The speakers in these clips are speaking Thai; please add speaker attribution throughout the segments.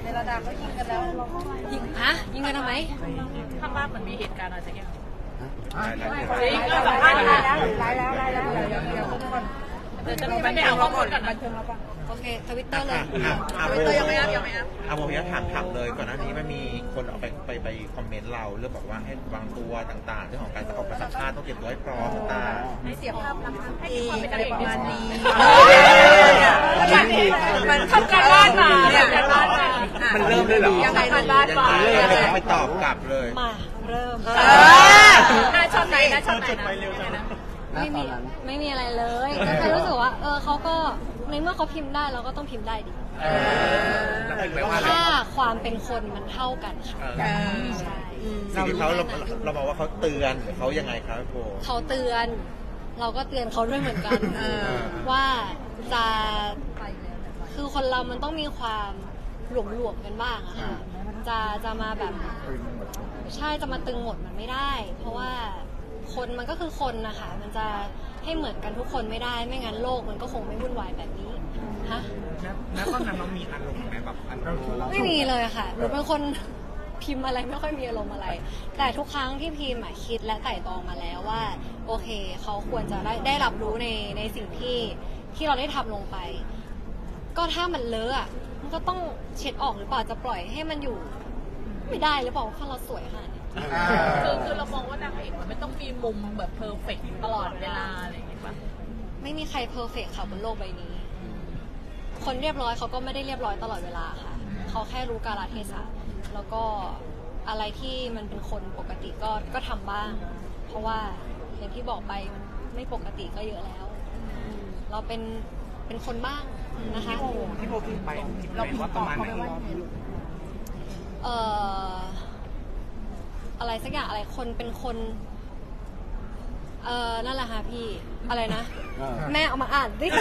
Speaker 1: ในระดับก็ยิงกันแล้ว
Speaker 2: ยิงยิงกันทำไม
Speaker 1: ข้างบ้านมันมีเหตุการณ์อะไรสักอย่างไล่แล้วเดี๋ยวทุกคนเดี๋ยวจะไปเอาข้อมูลกันบันเทิงเราปะ
Speaker 2: โอเคทวิตเตอร์เลย
Speaker 1: ทวิตเตอร์ยังไม่อัพ
Speaker 3: โมพิยะถามเลยก่อนหน้านี้มันมีคนเอาไปคอมเมนต์เราเรื่องบอกว่าให้วางตัวต่างๆเรื่องของการออกประสัมภาษณ์ต้องเตรียมตัวให้พร้อมต่าง
Speaker 1: ให้เสียภาพลักษณ์ดีอะไรประมาณนี้มันทำการบ้านมา
Speaker 3: มันเริ่มได้หรอ
Speaker 1: ยังไงทำบ้านมา
Speaker 3: ไปตอบกลับเลย
Speaker 2: มาเริ่ม
Speaker 1: น่าชอบไหนน่าชอบไหนนะ
Speaker 2: ไม่มีอะไรเลยก็แค่รู้สึกว่าเขาก็ในเมื่อเขาพิมพ์ได้เราก็ต้องพิมพ์ได้ดิถ้าความเป็นคนมันเท่ากันค่ะใช่
Speaker 3: สิ่งที่เราบอกว่าเขาเตือนเขายังไงครับโบ
Speaker 2: เขาเตือนเราก็เตือนเขาด้วยเหมือนกันว่าจะคือคนเรามันต้องมีความหลวมๆกันบ้างอะค่ะจะมาแบบใช่จะมาตึงหมดมันไม่ได้ เพราะว่าคนมันก็คือคนนะคะมันจะให้เหมือนกันทุกคนไม่ได้ไม่งั้นโลกมันก็คงไม่วุ่นวายแบบนี้ฮะ
Speaker 3: แล้วตอนนั้นเรามีอารมณ์ไหมแบบอารมณ์
Speaker 2: ไม่มีเลยค่ะหนูเป็นคนพิมพ์อะไรไม่ค่อยมีอารมณ์อะไรแต่ทุกครั้งที่พิมพ์คิดและไต่ตรองมาแล้วว่าโอเคเขาควรจะได้รับรู้ในสิ่งที่เราได้ทำลงไปก็ถ้ามันเลอะมันก็ต้องเช็ดออกหรือเปล่าจะปล่อยให้มันอยู่ไม่ได้หรือเปล่าเพราะเราสวยค่ะ
Speaker 1: คือเรามองว่านางเอกมันไม่ต้องมีมุมแบบเพอร์เฟกต์ตลอดเวลาอะไรอย่างเงี้ยป่ะ
Speaker 2: ไม่มีใครเพอร์เฟกต์ค่ะบนโลกใบนี้คนเรียบร้อยเขาก็ไม่ได้เรียบร้อยตลอดเวลาค่ะเขาแค่รู้กาลเทศะแล้วก็อะไรที่มันเป็นคนปกติก็ทำบ้างเพราะว่าอย่างที่บอกไปมันไม่ปกติก็เยอะแล้วเราเป็นคนบ้างนะคะ
Speaker 3: ที่โบพิมพ์ไปเราพิมพ์ว่าประมาณไหน
Speaker 2: อะไรสักอย่างอะไรคนเป็นคนนั่นแหละค่ะพี่อะไรนะแม่เอามาอ่านดิ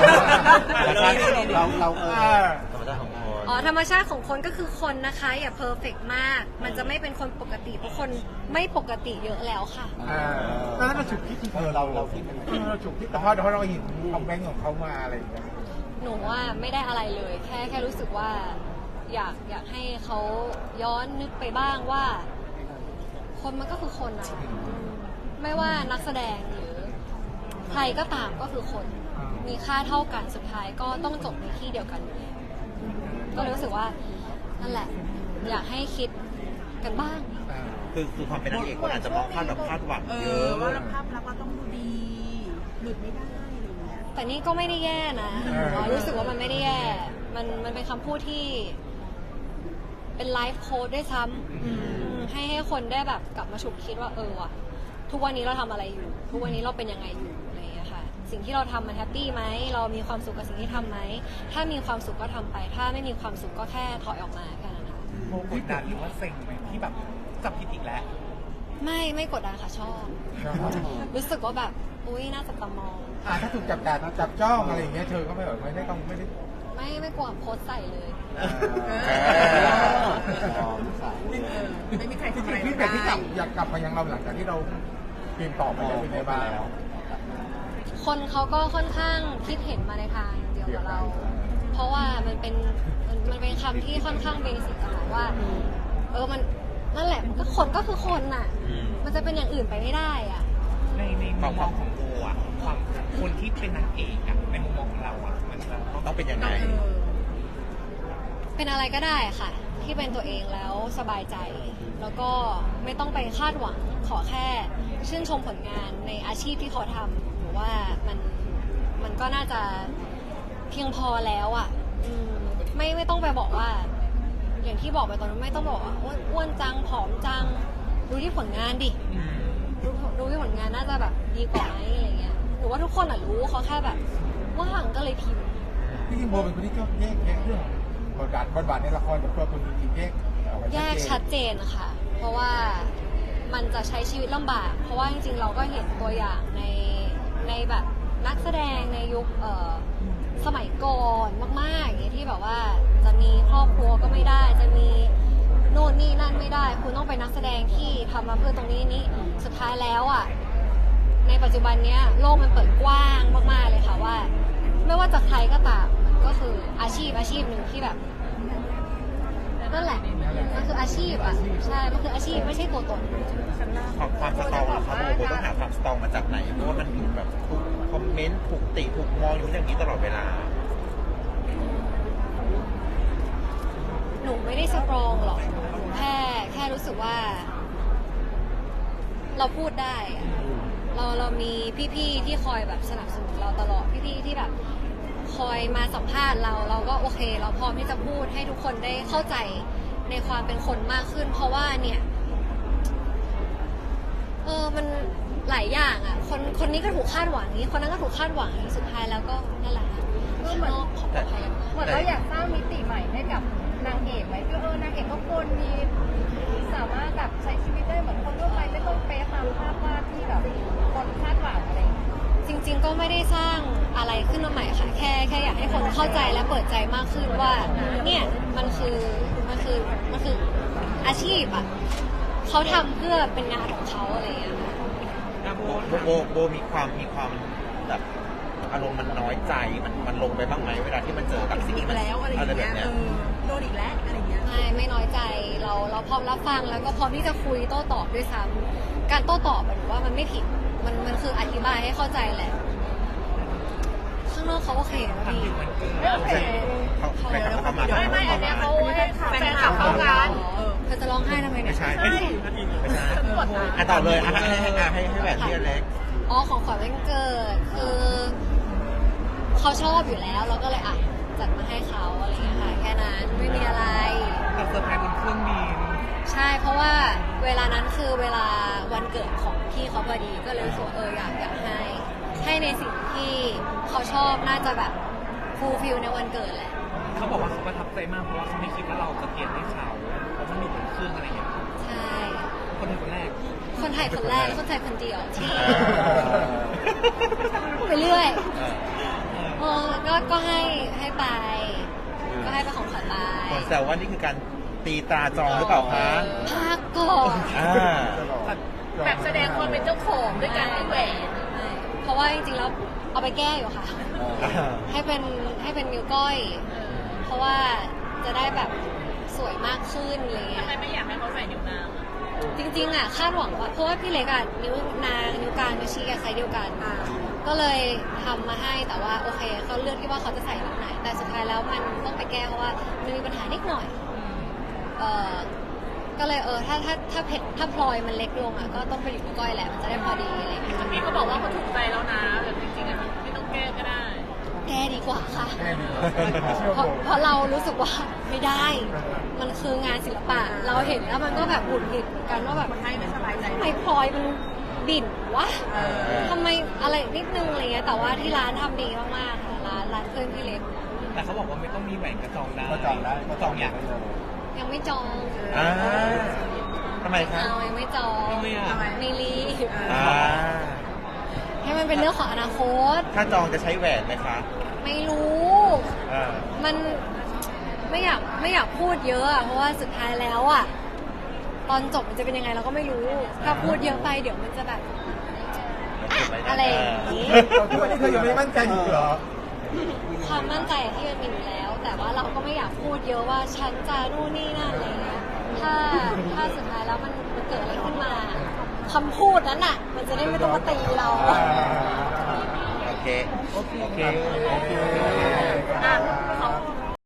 Speaker 3: เรา
Speaker 2: ธรรมชาติของคนก็คือคนนะคะอย่าเพอร์เฟกต์มากมันจะไม่เป็นคนปกติเพราะคนไม่ปกติเยอะแล้วค่ะ
Speaker 4: แล้วเราฉุกคิดเราคิดเราฉุกคิดเพราะเราเห็นคอมเมนต์ของเขามาอะไรอย่างเงี้ย
Speaker 2: หนูว่าไม่ได้อะไรเลยแค่รู้สึกว่าอยากให้เขาย้อนนึกไปบ้างว่าคนมันก็คือคนนะไม่ว่านักแสดงหรือใครก็ตามก็คือคนมีค่าเท่ากันสุดท้ายก็ต้องจบในที่เดียวกันอยู่แล้วก็รู้สึกว่านั่นแหละอยากให้คิดกันบ้าง
Speaker 3: คือความเป็นนางเอกคนอาจจะมองภาพแบบคาดหวังเยอะ
Speaker 1: ว่าภาพลักษณ์เราต้องดูดีหลุดไม่ได้
Speaker 2: แต่นี่ก็ไม่ได้แย่นะรู้สึกว่ามันไม่ได้แย่มันเป็นคำพูดที่เป็นไลฟ์โค้ดด้วยซ้ำให้คนได้แบบกลับมาฉุกคิดว่าว่ะทุกวันนี้เราทำอะไรอยู่ทุกวันนี้เราเป็นยังไงอยู่อะไรอย่างเงี้ยค่ะสิ่งที่เราทำมันแฮปปี้ไหมเรามีความสุขกับสิ่งที่ทำไหมถ้ามีความสุขก็ทำไปถ้าไม่มีความสุขก็แค่ถอยออกมาแค่นั้นค่ะ
Speaker 3: โมกดดันหรือว่าเซ็งไหมที่แบบจับผิดอีกแล้ว
Speaker 2: ไม่กดดันค่ะชอบรู้สึกว่าแบบอุ้ยน่าจับตามอง
Speaker 4: ถ้าถูกจับจ้องอะไรอย่างเงี้ยเธอก็ไม่แบบไม่ได้
Speaker 2: ไม่กลัวโพสใส่เลย
Speaker 1: ไม่มีใครทำอะไร
Speaker 4: ที่อยากกลับมายังเราหลังจากที่เราเปลี่ยนต่อไปเป็นไงบ้าง
Speaker 2: คนเขาก็ค่อนข้างคิดเห็นมาในทางเดียวกับเราเพราะว่ามันเป็นคำที่ค่อนข้างเบสิกอะค่ะว่ามันนั่นแหละก็คนก็คือคนน่ะมันจะเป็นอย่างอื่นไปไม่ได้อ่ะ
Speaker 3: ในมุมมองของโบอ่ะความคนที่เป็นนางเอกอ่ะในมุมมองของเราอ่ะมันต้องเป็นยังไง
Speaker 2: เป็นอะไรก็ได้ค่ะที่เป็นตัวเองแล้วสบายใจแล้วก็ไม่ต้องไปคาดหวังขอแค่ชื่นชมผลงานในอาชีพที่เขาทำหรือว่ามันก็น่าจะเพียงพอแล้วอ่ะไม่ต้องไปบอกว่าอย่างที่บอกไปตอนนั้นไม่ต้องบอกว่าอ้วนจังผอมจังดูที่ผลงานดิดูที่ผลงานน่าจะแบบดีกว่าไหมอะไรเงี้ยหรือว่าทุกคนรู้เขาแค่แบบว่างก็เลยพิมพ์
Speaker 4: ที่จริงโบเป็นคนที่ชอบแยกเรื่องบทบาทในละครกับตัวคนจริง
Speaker 2: แยกชัดเจนค่ะเพราะว่ามันจะใช้ชีวิตลำบากเพราะว่าจริงๆเราก็เห็นตัวอย่างในแบบนักแสดงในยุคสมัยก่อนมากๆอย่างเงี้ยที่แบบว่าจะมีครอบครัวก็ไม่ได้จะมีโน่นนี่นั่นไม่ได้คุณต้องเป็นนักแสดงที่ทำมาเพื่อตรงนี้สุดท้ายแล้วอ่ะในปัจจุบันเนี้ยโลกมันเปิดกว้างมากๆเลยค่ะว่าไม่ว่าจะใครก็ตามมันก็คืออาชีพหนึ่งที่แบบอาชีพอ่ะใช่มันคืออาชีพไม่ใช่ตัวตน
Speaker 3: ความสตรองเหรอครับโบต้องหาความสตรองมาจากไหนเพราะว่ามันถูกแบบถูกคอมเมนต์ถูกติถูกมองอยู่อย่างนี้ตลอดเวลา
Speaker 2: หนูไม่ได้สตรองหรอกแค่รู้สึกว่า เราพูดได้อะเรามีพี่ๆที่คอยแบบสนับสนุนเราตลอดพี่ๆที่แบบคอยมาสัมภาษณ์เราก็โอเคเราพร้อมที่จะพูดให้ทุกคนได้เข้าใจในความเป็นคนมากขึ้น เพราะว่าเนี่ยมันหลายอย่างอ่ะคนนี้ก็ถูกคาดหวังนี้คนนั้นก็ถูกคาดหวังนี้สุดท้ายแล้วก็นั่นแหละข้างนอกขอปลอดภัยกัน
Speaker 5: เหมือนเราอยากสร้างมิติใหม่ให้กับนางเอกไหมคือนางเอกก็ควรมีสามารถแบบใช้ชีวิตได้เหมือนคนทั่วไปไม่ต้องเป๊ะตามภาพวาดที่แบบคนคาดหวังอะไรอย่างเงี้ย
Speaker 2: จริงๆก็ไม่ได้สร้างอะไรขึ้นมาใหม่ค่ะแค่อยากให้คนเข้าใจและเปิดใจมากขึ้นว่าเนี่ยมันคืออาชีพอ่ะเขาทำเพื่อเป็นงานของเขาอะไรอย่างเงี้ยค่ะ
Speaker 3: โบมีความแบบอารมณ์มันน้อยใจมันลงไปบ้างไหมเวลาที่มันเจอกับสิ่งที่มันอะไรแบบเนี้ย
Speaker 5: โดนอีกแล้วอะไรเงี้ย
Speaker 2: ไม่น้อยใจเราพร้อมรับฟังแล้วก็พร้อมที่จะคุยโต้ตอบด้วยซ้ำการโต้ตอบหนูว่ามันไม่ผิดมันคืออธิบายให้เข้าใจแหละข้างนอกเขาโอเคนะพี่
Speaker 1: โอเค
Speaker 3: เขาไปกับเขามา
Speaker 1: ไม่อันเนี้ยเขาให้แฟนคลับเข้ากัน
Speaker 2: เธอจะร้องไห้ทำไมเนี่ย
Speaker 3: ไม่ใช่อ่ะต่อเลยให้แหวนที่เล็ก
Speaker 2: อ๋อของขวัญวันเกิดคือเขาชอบอยู่แล้วเราก็เลยอ่ะจัดมาให้เขาอะไรอย่างเงี้ยค่ะแค่นั้นไม่มีอะไร
Speaker 6: แต่เซอร์ไพรส์บนเครื่องบิน
Speaker 2: ใช่เพราะว่าเวลานั้นคือเวลาวันเกิดของพี่เขาพอดีก็เลยรู้สึกว่าอยากให้ในสิ่งที่เขาชอบน่าจะแบบฟูลฟิลในวันเกิดแหละ
Speaker 6: เขาบอกว่าเขาประทับใจมากเพราะว่าเขาไม่คิดว่าเราจะเปลี่ยนให้เขาเพราะมันอยู่บนเครื่องอะไรอย่างเงี้ย
Speaker 2: ใช่
Speaker 6: คนคนแรก
Speaker 2: คนไทยคนแรกและคนไทยคนเดียวที่ไปเรื่อยก็ให้ไปก็ให้เป็นของขวัญไป
Speaker 3: คนแซวว่านี่คือการตีตราจองหรือเปล่าคะ
Speaker 2: พักก่อน
Speaker 1: แบบแสดงความเป็นเจ้าของด้วยการให้แหวน
Speaker 2: เพราะว่าจริงๆแล้วเอาไปแก้อยู่ค่ะ ให้เป็นนิ้วก้อย เพราะว่าจะได้แบบสวยมากขึ้นอะไรเงี้
Speaker 1: ทำ
Speaker 2: ย
Speaker 1: ไมไม่อยากให้เขาใส่นิ้วนางอะ
Speaker 2: จริงๆอ่ะคาดหวังว่าเพราะว่าพี่เล็กอ่ะนิ้วนางนิ้วกลางนิ้วชี้กับไซส์เดียวกันก็เลยทำมาให้แต่ว่าโอเคเขาเลือกที่ว่าเขาจะใส่นิ้วไหนแต่สุดท้ายแล้วมันต้องไปแก้เพราะว่ามันมีปัญหานิดหน่อยก็เลยถ้าพลอยมันเล็กลงอ่ะก็ต้องไปอยู่นิ้วก้อยแหละมันจะได้พอดีอะไรอย่างเงี้ย
Speaker 1: พี่เขาบอกว่าเขาถูกใจแล้วนะแบบจริงๆอะไม่ต้องแก้ก็ได้
Speaker 2: แก้ดีกว่าค่ะ
Speaker 4: แค่นี้
Speaker 2: เพราะเรารู้สึกว่าไม่ได้ มันคืองานศิลปะ เราเห็นแล้วมันก็แบบหงุดหงิดเหมือนกันว่าแบบ
Speaker 1: ให้ไม่สบายใจ
Speaker 2: ทำไมพลอยมันบิ่นวะทำไมอะไรนิดนึงอะไรเงี้ยแต่ว่าที่ร้านทำดีมากๆค่ะร้านเพื่อนพี่เล็ก
Speaker 6: แต่เขาบอกว่าไม่ต้องมีแหวนกระจองได้
Speaker 4: ก็จองได้
Speaker 6: ก็จองอย่าง
Speaker 2: ยังไม่จอง
Speaker 3: ทำไมคะ
Speaker 2: เรายังไม่จอง
Speaker 6: ทำไมอ่ะ
Speaker 2: ไม่รีบ
Speaker 3: อ่า
Speaker 2: ให้มันเป็นเรื่องของอนาคต
Speaker 3: ถ้าจองจะใช้แหวนไหมคะ
Speaker 2: ไม่รู้ มันไม่อยากพูดเยอะอะเพราะว่าสุดท้ายแล้วอะตอนจบมันจะเป็นยังไงเราก็ไม่รู้ ถ้าพูดเยอะไปเดี๋ยวมันจะแบบอะไรอย่างนี้
Speaker 4: ทุกวันนี้เธอยังไม่มั่นใจอยู่เหรอ
Speaker 2: ความมั่นใจที่มันมีอยู่แล้ว แต่ว่าเราก็ไม่อยากพูดเยอะว่าฉันจะนู่นนี่นั่นอะไรเงี้ยถ้าสุดท้ายแล้วมันเกิดอะไรขึ้นมาคำพูดนั้นอะมันจะได้ไม่ต้องมาตีเรา
Speaker 3: โอเค
Speaker 4: โอเค
Speaker 1: อ่ะ